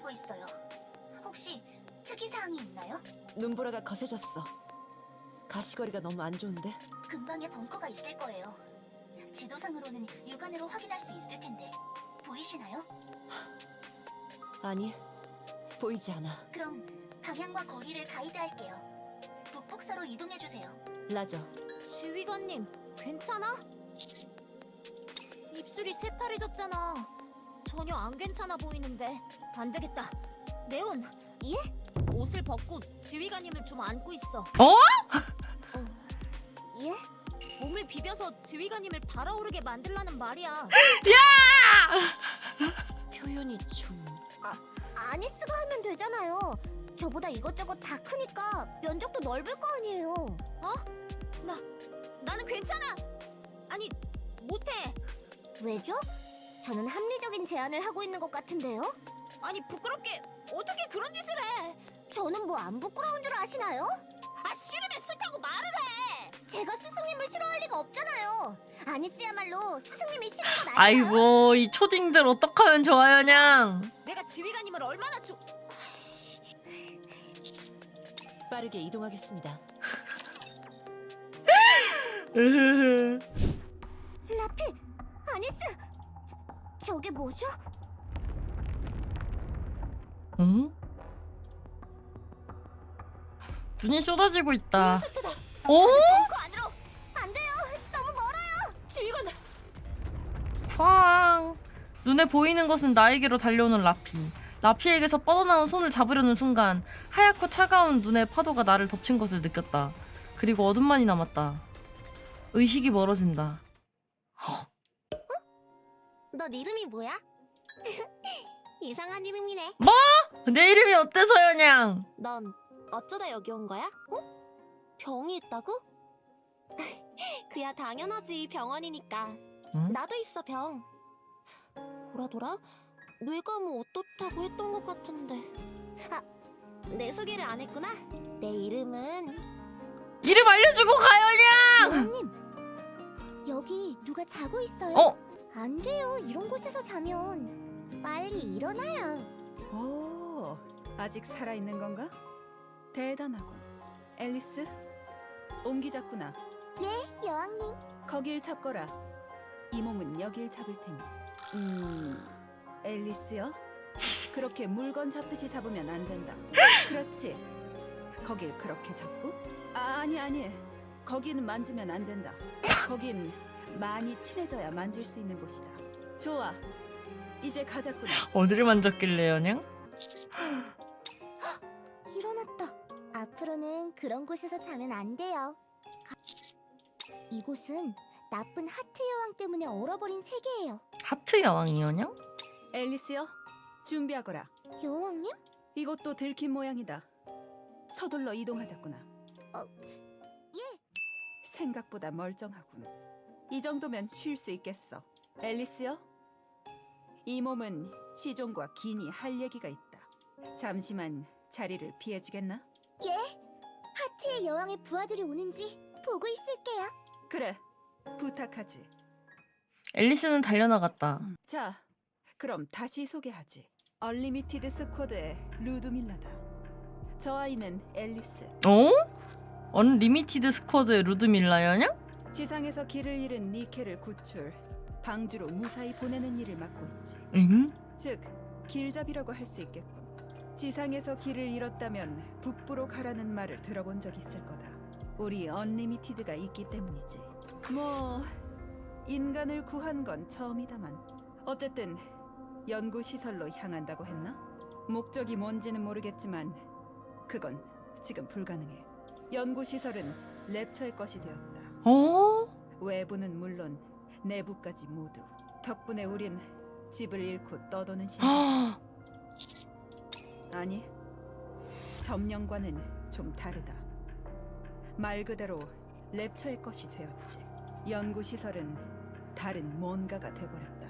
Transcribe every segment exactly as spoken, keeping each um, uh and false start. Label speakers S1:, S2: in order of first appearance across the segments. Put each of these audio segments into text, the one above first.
S1: 느끼고 있어요. 혹시 특이사항이 있나요?
S2: 눈보라가 거세졌어. 가시거리가 너무 안 좋은데?
S1: 근방에 벙커가 있을 거예요. 지도상으로는 육안으로 확인할 수 있을 텐데 보이시나요?
S2: 아니, 보이지 않아.
S1: 그럼 방향과 거리를 가이드할게요. 북북서로 이동해주세요.
S2: 라저,
S3: 지휘관님, 괜찮아? 입술이 새파래졌잖아. 전혀 안 괜찮아 보이는데. 안 되겠다. 네온, 예? 옷을 벗고 지휘관님을 좀 안고 있어.
S4: 어?
S3: 어, 예? 몸을 비벼서 지휘관님을 달아오르게 만들라는 말이야.
S2: 표현이 좀...
S3: 아니스가 하면 되잖아요. 저보다 이것저것 다 크니까 면적도 넓을 거 아니에요. 어? 나, 나는 괜찮아. 아니, 못해. 왜죠? 저는 합리적인 제안을 하고 있는 것 같은데요? 아니, 부끄럽게 어떻게 그런 짓을 해? 저는 뭐 안 부끄러운 줄 아시나요? 아, 싫으면 싫다고 말을 해. 제가 스승님을 싫어할 리가 없잖아요. 아니스야말로 스승님이 싫은 건 아니에요.
S4: 아이고 이 초딩들 어떡하면 좋아요 냥.
S3: 내가 지휘관님을 얼마나 좋...
S2: 빠르게 이동하겠습니다.
S4: 으흐흐.
S3: 라피, 아니스, 저게 뭐죠?
S4: 응? 눈이 쏟아지고 있다.
S3: 스트다.
S4: 오?
S3: 벙커 안으로. 안 돼요. 너무 멀어요.
S2: 지휘관!
S4: 쾅. 눈에 보이는 것은 나에게로 달려오는 라피. 라피에게서 뻗어나온 손을 잡으려는 순간 하얗고 차가운 눈의 파도가 나를 덮친 것을 느꼈다. 그리고 어둠만이 남았다. 의식이 멀어진다.
S3: 너 이름이 뭐야? 이상한 이름이네.
S4: 내 이름이 어때서요 냥?
S3: 넌 어쩌다 여기 온 거야? 어? 병이 있다고? 그야 당연하지, 병원이니까.
S4: 응?
S3: 나도 있어, 병. 돌아 돌아? 뇌가 뭐 어떻다고 했던 것 같은데. 아, 내 소개를 안 했구나. 내 이름은
S4: 이름 알려주고 가요 냥!
S3: 여왕님. 여기 누가 자고 있어요?
S4: 어?
S3: 안 돼요. 이런 곳에서 자면 빨리 일어나요.
S5: 오, 아직 살아있는 건가? 대단하군. 앨리스, 옮기자꾸나.
S3: 예, 여왕님.
S5: 거길 잡거라. 이 몸은 여길 잡을 테니. 음, 앨리스요? 그렇게 물건 잡듯이 잡으면 안 된다. 그렇지. 거길 그렇게 잡고? 아, 아니 아니. 거기는 만지면 안 된다. 거긴 많이 친해져야 만질 수 있는 곳이다. 좋아. 이제 가자꾸나.
S4: 어디를 만졌길래요 냥?
S3: 일어났다. 앞으로는 그런 곳에서 자면 안 돼요. 가- 이곳은 나쁜 하트 여왕 때문에 얼어버린 세계예요.
S4: 하트 여왕이요 냥?
S5: 앨리스요? 준비하거라.
S3: 여왕님?
S5: 이것도 들킨 모양이다. 서둘러 이동하자꾸나.
S3: 어, 예.
S5: 생각보다 멀쩡하군. 이 정도면 쉴 수 있겠어. 앨리스요? 이 몸은 시종과 기니 할 얘기가 있다. 잠시만 자리를 피해주겠나?
S3: 예. 하트의 여왕의 부하들이 오는지 보고 있을게요.
S5: 그래, 부탁하지.
S4: 앨리스는 달려나갔다.
S5: 자, 그럼 다시 소개하지. 얼리미티드 스쿼드의 루드밀라다. 저 아이는 앨리스.
S4: 어? 언리미티드 스쿼드의 루드밀라요 냥?
S5: 지상에서 길을 잃은 니케를 구출, 방주로 무사히 보내는 일을 맡고 있지.
S4: 응?
S5: 즉, 길잡이라고 할 수 있겠군. 지상에서 길을 잃었다면 북부로 가라는 말을 들어본 적 있을 거다. 우리 언리미티드가 있기 때문이지. 뭐 인간을 구한 건 처음이다만. 어쨌든 연구시설로 향한다고 했나? 목적이 뭔지는 모르겠지만 그건 지금 불가능해. 연구시설은 랩처의 것이 되었다.
S4: 어?
S5: 외부는 물론 내부까지 모두. 덕분에 우린 집을 잃고 떠도는 신세지. 아니, 점령과는 좀 다르다. 말 그대로 랩처의 것이 되었지. 연구시설은 다른 뭔가가 돼버렸다.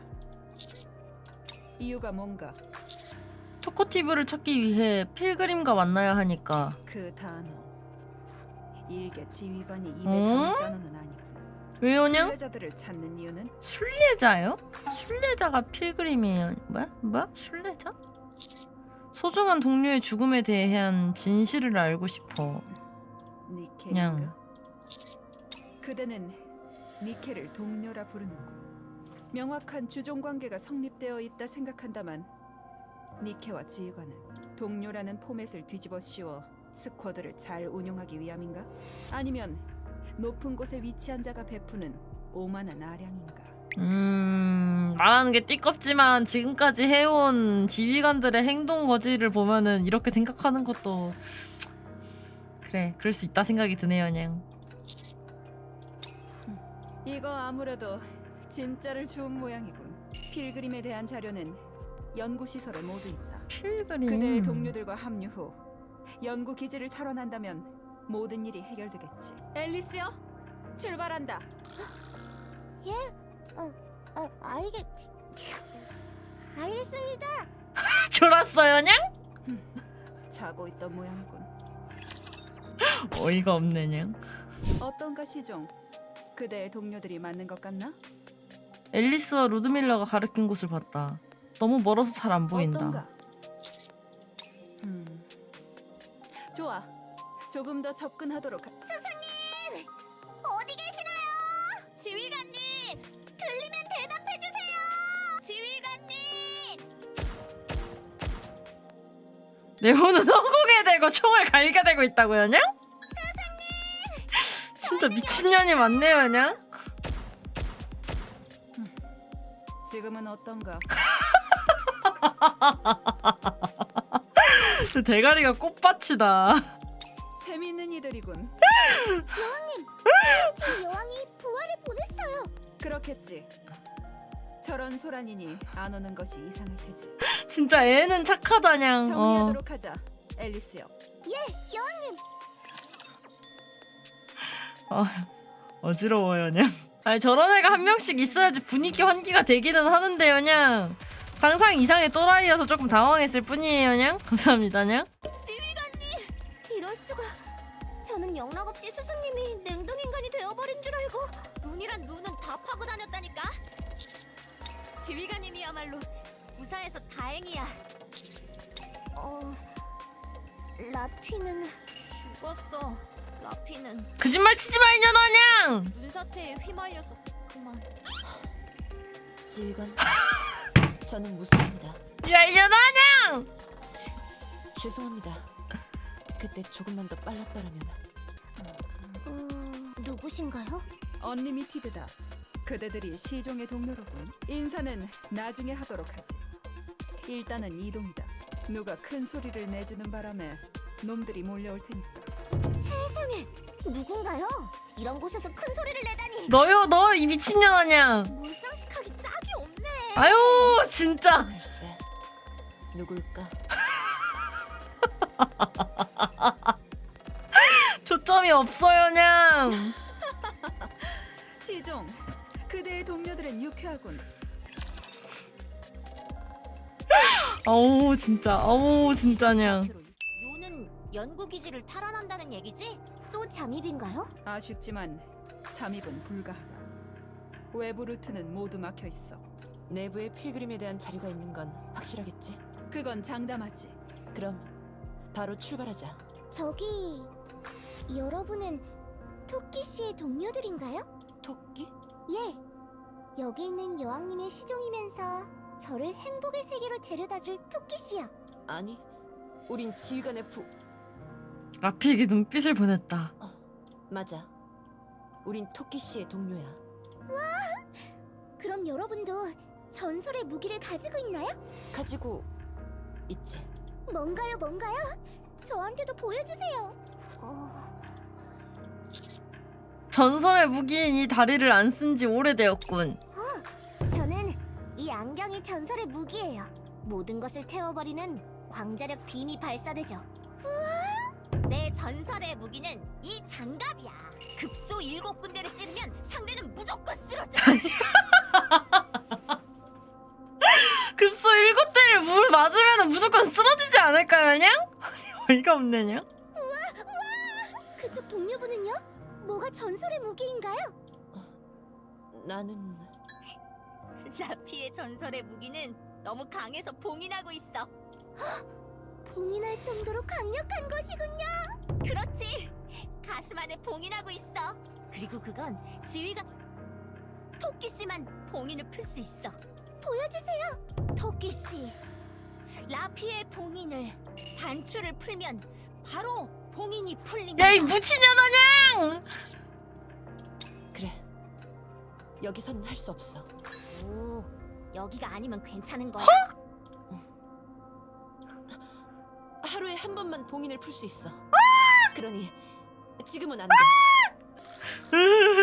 S5: 이유가 뭔가?
S4: 토코티브를 찾기 위해 필그림과 만나야 하니까.
S5: 그 단어. 일개 지휘관이 입에
S4: 어?
S5: 담을 단어는 아니고.
S4: 왜요 냥?
S5: 순례자들을 찾는 이유는?
S4: 순례자요? 순례자가 필그림이에요. 뭐야? 뭐야? 순례자? 소중한 동료의 죽음에 대한 진실을 알고 싶어.
S5: 니케인가?
S4: 냥.
S5: 그대는 니케를 동료라 부르는군. 명확한 주종 관계가 성립되어 있다 생각한다만 니케와 지휘관은 동료라는 포맷을 뒤집어 씌워 스쿼드를 잘 운용하기 위함인가? 아니면 높은 곳에 위치한 자가 베푸는 오만한 아량인가?
S4: 음 말하는 게 띠껍지만 지금까지 해온 지휘관들의 행동 거지를 보면은 이렇게 생각하는 것도 그래 그럴 수 있다 생각이 드네요. 그냥
S5: 이거 아무래도 진짜를 주운 모양이군. 필그림에 대한 자료는 연구시설에 모두 있다.
S4: 필그림.
S5: 그대의 동료들과 합류 후 연구 기지를 탈환한다면 모든 일이 해결되겠지. 앨리스요, 출발한다.
S3: 아, 알겠... 알겠습니다.
S4: 졸았어요, 냥?
S5: 자고 있던 모양이군.
S4: 어이가 없네, 냥.
S5: 어떤가 시종? 그대의 동료들이 맞는 것 같나?
S4: 앨리스와 루드밀라가 가리킨 곳을 봤다. 너무 멀어서 잘 안 보인다.
S5: 어떤가? 음, 좋아. 조금 더 접근하도록. 하...
S3: 스승님! 어디 계시나요? 지휘관님! 들리면 대답해주세요! 지휘관님!
S4: 내 혼은 허공에 대고 총을 갈게 대고 있다고요, 냥? 진짜 미친년이 많네요, 냥?
S5: 지금은 어떤가?
S4: 저 대가리가 꽃밭이다.
S5: 재미있는 이들이군.
S3: 제 여왕이 부활을 보냈어요.
S5: 그렇겠지. 저런 소란이니 안 오는 것이 이상할 테지.
S4: 진짜 애는 착하다, 냥. 어.
S5: 정리하도록 하자. 앨리스요.
S3: 예, 여왕님.
S4: 아, 어지러워요, 냥. 아니 저런 애가 한 명씩 있어야지 분위기 환기가 되기는 하는데요, 냥. 상상 이상의 또라이여서 조금 당황했을 뿐이에요, 냥. 감사합니다, 냥.
S3: 지휘관님! 이럴 수가. 저는 영락없이 스승님이 냉동인간이 되어버린 줄 알고 눈이란 눈은 다 파고 다녔다니까. 지휘관님이야말로 무사해서 다행이야. 어... 라피는 죽었어. 라피는
S4: 거짓말 치지 마, 이년아, 냥.
S3: 눈사태에 휘말려서 그만.
S2: 지휘관, 저는 무사합니다.
S4: 야, 이년아, 냥.
S2: 죄송합니다. 그때 조금만 더 빨랐더라면.
S3: 음... 누구신가요?
S5: 언리미티드다. 그대들이 시종의 동료로군. 인사는 나중에 하도록 하지. 일단은 이동이다. 누가 큰 소리를 내주는 바람에 놈들이 몰려올 테니까.
S3: 세상에! 누군가요? 이런 곳에서 큰 소리를 내다니.
S4: 너요, 너 이 미친년아, 냥.
S3: 몰상식하기 짝이 없네.
S4: 아유, 진짜.
S2: 글쎄, 누굴까?
S4: 초점이 없어요, 냥.
S5: 시종, 그대의 동료들은 유쾌하군.
S4: 아우, 진짜. 아우, 진짜, 냥.
S3: 요는 연구 기지를 탈환한다는 얘기지? 또 잠입인가요?
S5: 아쉽지만 잠입은 불가하다. 외부 루트는 모두 막혀 있어.
S2: 내부에 필그림에 대한 자료가 있는 건 확실하겠지?
S5: 그건 장담하지.
S2: 그럼 바로 출발하자.
S3: 저기 여러분은 토끼 씨의 동료들인가요?
S2: 토끼?
S3: 예. 여기 있는 여왕님의 시종이면서 저를 행복의 세계로 데려다줄 토끼 씨요.
S2: 아니, 우린 지휘관의 부...
S4: 라피에게 눈빛을 보냈다.
S2: 맞아. 우린 토끼 씨의 동료야.
S3: 그럼 여러분도 전설의 무기를 가지고 있나요?
S2: 가지고 있지.
S3: 뭔가요, 뭔가요? 저한테도 보여주세요. 어...
S4: 전설의 무기인 이 다리를 안 쓴 지 오래되었군.
S3: 저는 이 안경이 전설의 무기예요. 모든 것을 태워버리는 광자력 빔이 발사되죠. 우와! 내 전설의 무기는 이 장갑이야. 급소 일곱 군데를 찌르면 상대는 무조건 쓰러져.
S4: 급소 일곱 대를 물 맞으면 무조건 쓰러지지 않을까요, 냥? 어이가 없네, 냥.
S3: 그쪽 동료분은요? 뭐가 전설의 무기인가요?
S2: 나는...
S6: 라피의 전설의 무기는 너무 강해서 봉인하고 있어.
S3: 봉인할 정도로 강력한 것이군요. 그렇지. 가슴 안에 봉인하고 있어. 그리고 그건 지휘가 토끼 씨만 봉인을 풀 수 있어. 보여주세요, 토끼 씨. 라피의 봉인을 단추를 풀면 바로 봉인이 풀립니다.
S4: 야 이 무치냐나냥!
S2: 그래. 여기서는 할 수 없어.
S3: 오, 여기가 아니면 괜찮은 거야?
S2: 하루에 한 번만 봉인을 풀 수 있어.
S4: 아!
S2: 그러니 지금은 안 돼.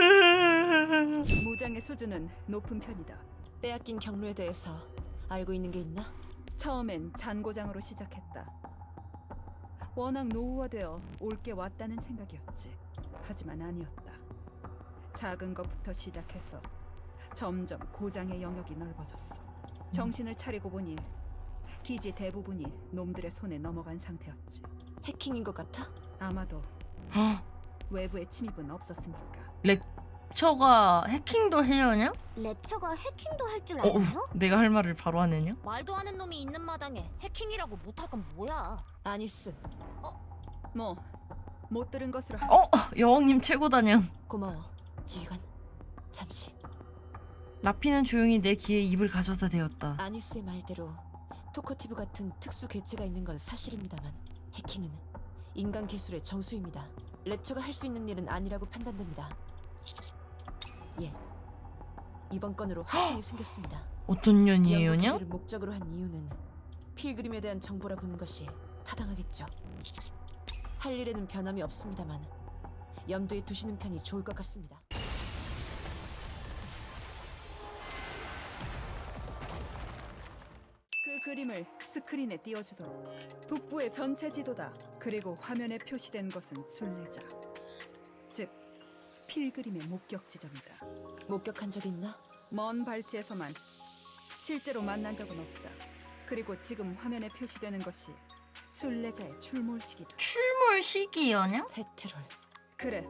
S5: 무장의 수준은 높은 편이다.
S2: 빼앗긴 경로에 대해서 알고 있는 게 있나?
S5: 처음엔 잔고장으로 시작했다. 워낙 노후화되어 올게 왔다는 생각이었지. 하지만 아니었다. 작은 것부터 시작해서 점점 고장의 영역이 넓어졌어. 정신을 차리고 보니 기지 대부분이 놈들의 손에 넘어간 상태였지.
S2: 해킹인 것 같아?
S5: 아마도
S4: 헉,
S5: 외부의 침입은 없었으니까.
S4: 렉처가 해킹도 해요냐?
S3: 랩처가 해킹도 할 줄
S4: 어,
S3: 알아요?
S4: 내가 할 말을 바로 하네냐?
S3: 말도 하는 놈이 있는 마당에 해킹이라고 못할 건 뭐야?
S2: 아니스.
S5: 뭐 못 들은 것으로 하...
S4: 어? 여왕님 최고다냥.
S2: 고마워. 지휘관. 잠시.
S4: 라피는 조용히 내 귀에 입을 가져다 대었다.
S2: 아니스의 말대로 토커티브 같은 특수 개체가 있는 건 사실입니다만 해킹은 인간 기술의 정수입니다. 랩처가 할 수 있는 일은 아니라고 판단됩니다. 예. 이번 건으로 확신이 생겼습니다.
S4: 어떤
S2: 연구
S4: 년이에요냐?
S2: 기술을 목적으로 한 이유는 필그림에 대한 정보라 보는 것이 타당하겠죠. 할 일에는 변함이 없습니다만 염두에 두시는 편이 좋을 것 같습니다.
S5: 그 그림을 스크린에 띄워주도록. 북부의 전체 지도다. 그리고 화면에 표시된 것은 순례자, 즉 필그림의 목격 지점이다.
S2: 목격한 적 있나?
S5: 먼 발치에서만. 실제로 만난 적은 없다. 그리고 지금 화면에 표시되는 것이 순례자의 출몰 시기다.
S4: 출몰 시기여냐?
S2: 페트롤.
S5: 그래.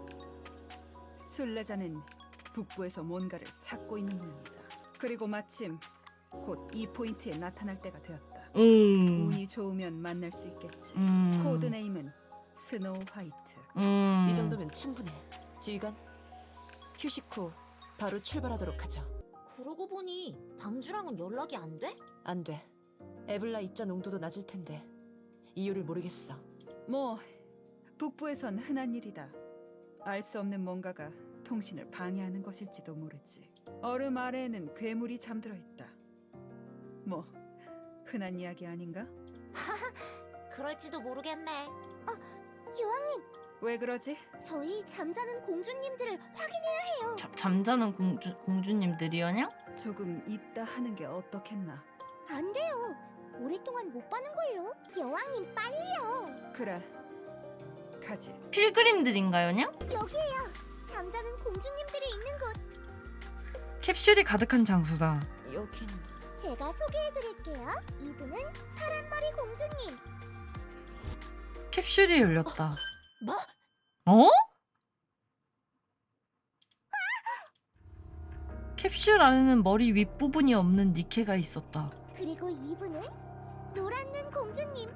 S5: 순례자는 북부에서 뭔가를 찾고 있는 모양이다. 그리고 마침 곧 이 포인트에 나타날 때가 되었다.
S4: 음.
S5: 운이 좋으면 만날 수 있겠지.
S4: 음.
S5: 코드네임은 스노우 화이트.
S4: 음.
S2: 이 정도면 충분해. 지휘관, 휴식 후 바로 출발하도록 하죠.
S3: 그러고 보니 방주랑은 연락이 안 돼?
S2: 안 돼. 에블라 입자 농도도 낮을 텐데 이유를 모르겠어.
S5: 뭐 북부에선 흔한 일이다. 알 수 없는 뭔가가 통신을 방해하는 것일지도 모르지. 얼음 아래에는 괴물이 잠들어 있다. 뭐 흔한 이야기 아닌가?
S3: 그럴지도 모르겠네. 어, 여왕님,
S5: 왜 그러지?
S3: 저희 잠자는 공주님들을 확인해야 해요.
S4: 잠, 잠자는 공주, 공주님들이여냐?
S5: 조금 있다 하는 게 어떻겠나?
S3: 안 돼요. 오랫동안 못 봐는 걸요. 여왕님 빨리요.
S5: 그래, 가지.
S4: 필그림들인가요냐?
S3: 여기에요. 잠자는 공주님들이 있는 곳.
S4: 캡슐이 가득한 장소다.
S2: 여긴
S3: 제가 소개해드릴게요. 이분은 파란머리 공주님.
S4: 캡슐이 열렸다.
S3: 뭐?
S4: 어? 캡슐 안에는 머리 윗부분이 없는 니케가 있었다.
S3: 그리고 이분은 노란 눈 공주님.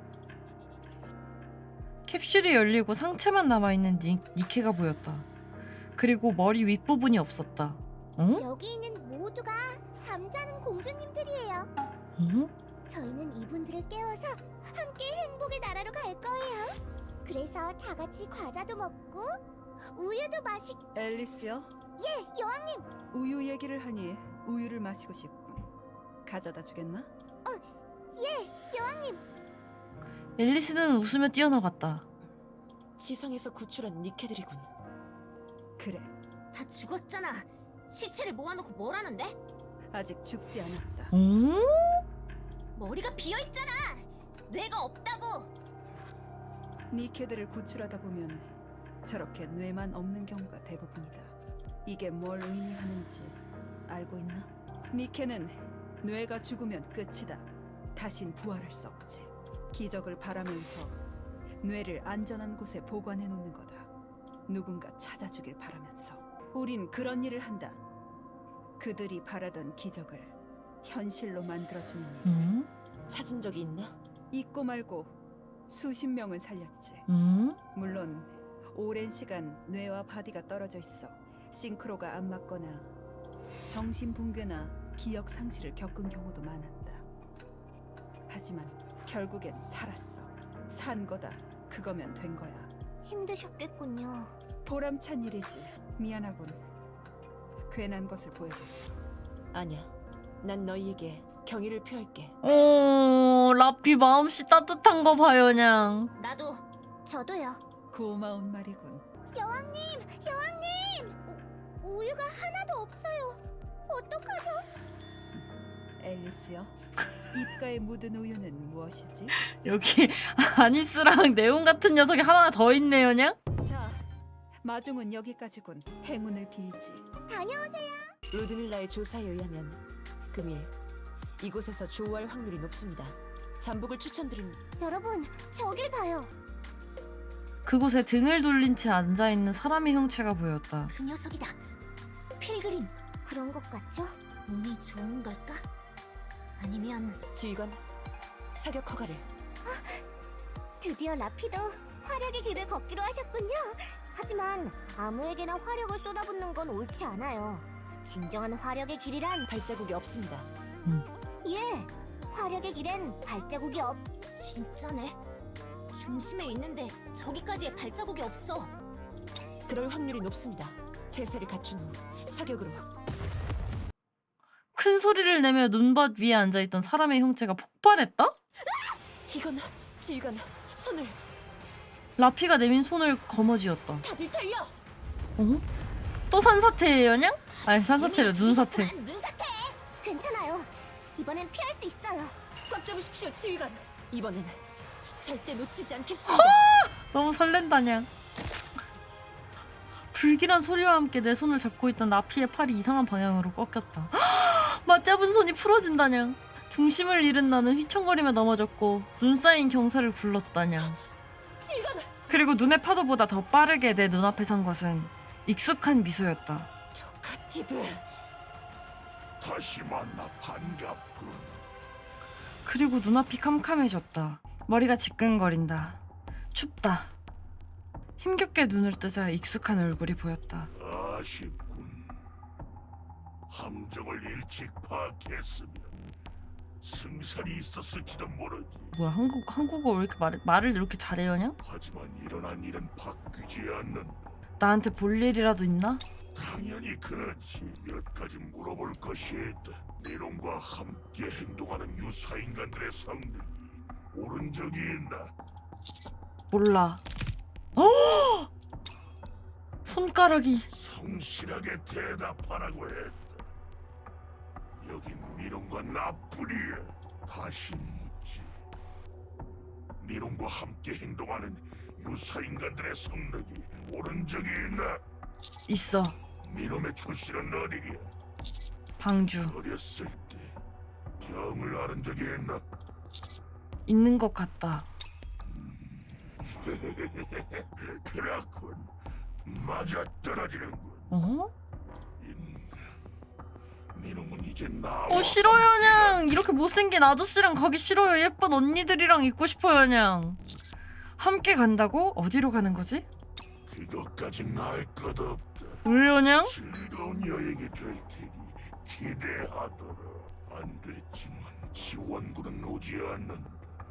S4: 캡슐이 열리고 상체만 남아있는 니, 니케가 보였다. 그리고 머리 윗부분이 없었다. 어?
S3: 여기 있는 모두가 잠자는 공주님들이에요.
S4: 어?
S3: 저희는 이분들을 깨워서 함께 행복의 나라로 갈 거예요. 그래서 다 같이 과자도 먹고 우유도 마시...
S5: 앨리스요?
S3: 예, 여왕님.
S5: 우유 얘기를 하니 우유를 마시고 싶군. 가져다 주겠나?
S3: 예, 여왕님.
S4: 앨리스는 웃으며 뛰어나갔다.
S2: 지상에서 구출한 니케들이군.
S5: 그래,
S3: 다 죽었잖아. 시체를 모아놓고 뭐라는데?
S5: 아직 죽지 않았다.
S4: 어?
S3: 머리가 비어있잖아. 뇌가 없다고.
S5: 니케들을 구출하다 보면 저렇게 뇌만 없는 경우가 대부분이다. 이게 뭘 의미하는지 알고 있나? 니케는 뇌가 죽으면 끝이다. 다신 부활할 수 없지. 기적을 바라면서 뇌를 안전한 곳에 보관해 놓는 거다. 누군가 찾아주길 바라면서. 우린 그런 일을 한다. 그들이 바라던 기적을 현실로 만들어주는 일.
S4: 음?
S2: 찾은 적이 있나?
S5: 있고 말고 수십 명은 살렸지.
S4: 음?
S5: 물론 오랜 시간 뇌와 바디가 떨어져 있어 싱크로가 안 맞거나 정신 붕괴나 기억 상실을 겪은 경우도 많았다. 하지만 결국엔 살았어. 산 거다. 그거면 된 거야.
S3: 힘드셨겠군요.
S5: 보람찬 일이지. 미안하군. 괜한 것을 보여줬어.
S2: 아니야. 난 너희에게 경의를 표할게.
S4: 오, 라피 마음씨 따뜻한 거 봐요, 냥.
S3: 나도. 저도요.
S5: 고마운 말이군.
S3: 여왕님, 여왕님! 우, 우유가 하나도 없어요. 어떡하죠?
S5: 앨리스요. 입가에 묻은 우유는 무엇이지?
S4: 여기 아니스랑 네온 같은 녀석이 하나 더 있네요, 냥.
S5: 자, 마중은 여기까지군. 행운을 빌지.
S3: 다녀오세요.
S2: 루드밀라의 조사에 의하면 금일 이곳에서 조우할 확률이 높습니다. 잠복을 추천드린
S3: 여러분, 저길 봐요.
S4: 그곳에 등을 돌린 채 앉아 있는 사람의 형체가 보였다.
S1: 그 녀석이다. 필그림.
S3: 그런 것 같죠?
S1: 운이 좋은 걸까? 아니면
S2: 지휘관 사격 허가를.
S3: 드디어 라피도 화력의 길을 걷기로 하셨군요. 하지만 아무에게나 화력을 쏟아붓는 건 옳지 않아요. 진정한 화력의 길이란
S2: 발자국이 없습니다.
S3: 예, 화력의 길엔 발자국이 없.
S1: 진짜네. 중심에 있는데 저기까지의 발자국이 없어.
S2: 그럴 확률이 높습니다. 태세를 갖춘 후 사격으로.
S4: 큰 소리를 내며 눈밭 위에 앉아있던 사람의 형체가 폭발했다?
S2: 이건 지휘관 손을.
S4: 라피가 내민 손을 거머쥐었다.
S2: 다들 달려.
S4: 어? 또 산사태예요, 냥? 아니, 산사태래, 눈사태.
S3: 아, 눈사태. 괜찮아요. 이번엔 피할 수 있어요.
S2: 꽉 잡으십시오, 지휘관. 이번엔 절대 놓치지 않겠습니다.
S4: 너무 설렌다, 냥. 불길한 소리와 함께 내 손을 잡고 있던 라피의 팔이 이상한 방향으로 꺾였다. 맞잡은 손이 풀어진다냥. 중심을 잃은 나는 휘청거리며 넘어졌고 눈 쌓인 경사를 굴렀다냥.
S2: 지휘관.
S4: 그리고 눈의 파도보다 더 빠르게 내 눈앞에 선 것은 익숙한 미소였다.
S2: 토카티브.
S6: 다시 만나 반갑군.
S4: 그리고 눈앞이 캄캄해졌다. 머리가 지끈거린다. 춥다. 힘겹게 눈을 뜨자 익숙한 얼굴이 보였다.
S6: 아쉽군. 함정을 일찍 파악했으면 승산이 있었을지도 모르지.
S4: 뭐야, 한국 한국어 왜 이렇게 말, 말을 이렇게 잘해요냐?
S6: 하지만 일어난 일은 바뀌지 않는다.
S4: 나한테 볼 일이라도 있나?
S6: 당연히 그렇지. 몇 가지 물어볼 것이 있다. 네론과 함께 행동하는 유사 인간들의 성능이 옳은 적이 있나?
S4: 몰라. 어! 손가락이.
S6: 성실하게 대답하라고 했다. 여긴 니론과 나뿐이야. 다시 묻지. 니론과 함께 행동하는 유사 인간들의 성능이 옳은 적이 있나?
S4: 있어.
S6: 니놈의 출신은 어디냐?
S4: 방주.
S6: 어렸을 때 병을 앓은 적이 있나?
S4: 있는 것 같다.
S6: 그렇군. 맞아 떨어지는군.
S4: 어?
S6: 인간. 니놈은 이제 나.
S4: 어, 싫어요, 냥. 이렇게 못생긴 아저씨랑 가기 싫어요. 예쁜 언니들이랑 있고 싶어요, 냥. 함께 간다고? 어디로 가는 거지?
S6: 그것까진 알 것 없다.
S4: 왜요, 냥?
S6: 즐거운 여행이 될 테니 기대하더라. 안 됐지만 지원군은 오지 않는다.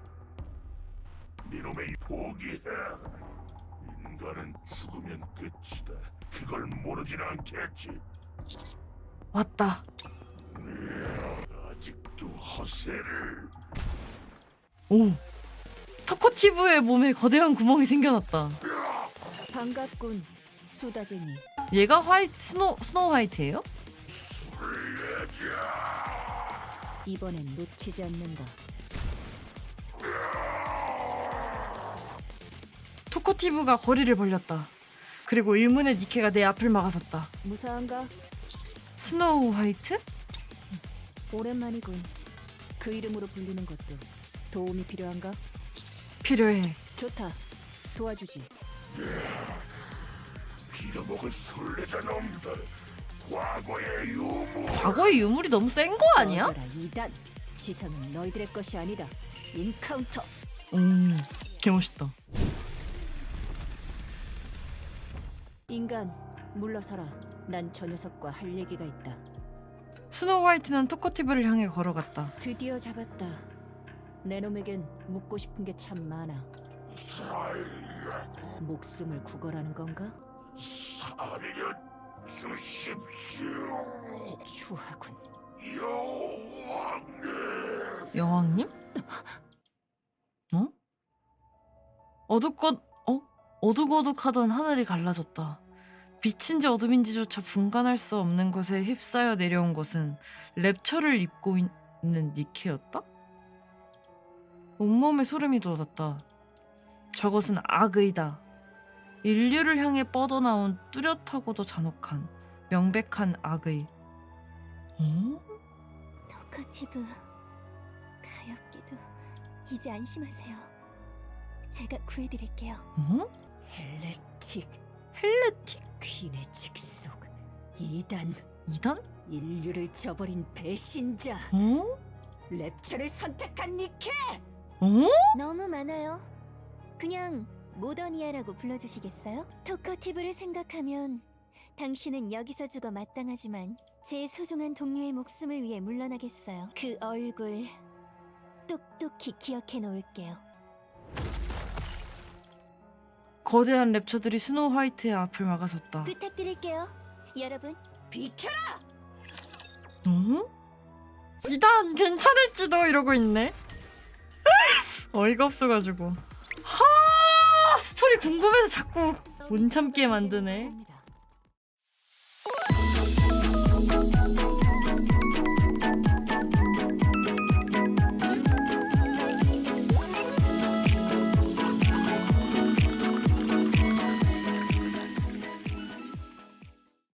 S6: 니놈의 포기해라. 인간은 죽으면 끝이다. 그걸 모르진 않겠지.
S4: 왔다.
S6: 아직도 허세를.
S4: 오. 터코티브의 몸에 거대한 구멍이 생겨났다.
S2: 반갑군, 수다쟁이.
S4: 얘가 화이트 스노 스노우 화이트예요?
S2: 이번엔 놓치지 않는다.
S4: 토코티브가 거리를 벌렸다. 그리고 의문의 니케가 내 앞을 막아섰다.
S2: 무사한가?
S4: 스노우 화이트?
S2: 오랜만이군. 그 이름으로 불리는 것도 도움이 필요한가?
S4: 필요해.
S2: 좋다. 도와주지.
S6: 빌어먹을 술래자 놈들. 과거의 유무.
S4: 과거의 유물이 너무 센 거 아니야?
S2: 꺼져라, 이단. 지상은 너희들의 것이 아니다. 인카운터.
S4: 음. 개멋있다.
S2: 인간, 물러서라. 난 저 녀석과 할 얘기가 있다.
S4: 스노우 화이트는 토커티브를 향해 걸어갔다.
S2: 드디어 잡았다. 내 놈에겐 묻고 싶은 게 참 많아.
S6: 살려
S2: 목숨을 구걸하는 건가?
S6: 살려 주십시오.
S2: 추하군.
S6: 여왕님.
S4: 여왕님? 어? 어둑것 어? 어둑어둑하던 하늘이 갈라졌다. 빛인지 어둠인지조차 분간할 수 없는 것에 휩싸여 내려온 것은 랩처를 입고 있는 니케였다? 온몸에 소름이 돋았다. 저것은 악의다. 인류를 향해 뻗어나온 뚜렷하고도 잔혹한 명백한 악의. 어?
S3: 토커티브 가엾게도 이제 안심하세요. 제가 구해드릴게요.
S4: 어?
S2: 헬레틱,
S4: 헬레틱?
S2: 퀸의 직속, 이단,
S4: 이단?
S2: 인류를 저버린 배신자,
S4: 어?
S2: 랩처를 선택한 니케!
S4: 어?
S3: 너무 많아요. 그냥 모더니아라고 불러주시겠어요? 토커티브를 생각하면 당신은 여기서 죽어 마땅하지만 제 소중한 동료의 목숨을 위해 물러나겠어요. 그 얼굴 똑똑히 기억해 놓을게요.
S4: 거대한 랩처들이 스노우 화이트의 앞을 막아섰다.
S3: 부탁드릴게요, 여러분.
S2: 비켜라!
S4: 어? 이단 괜찮을지도 이러고 있네. 어이가 없어가지고. 하 스토리 궁금해서 자꾸 못 참게 만드네.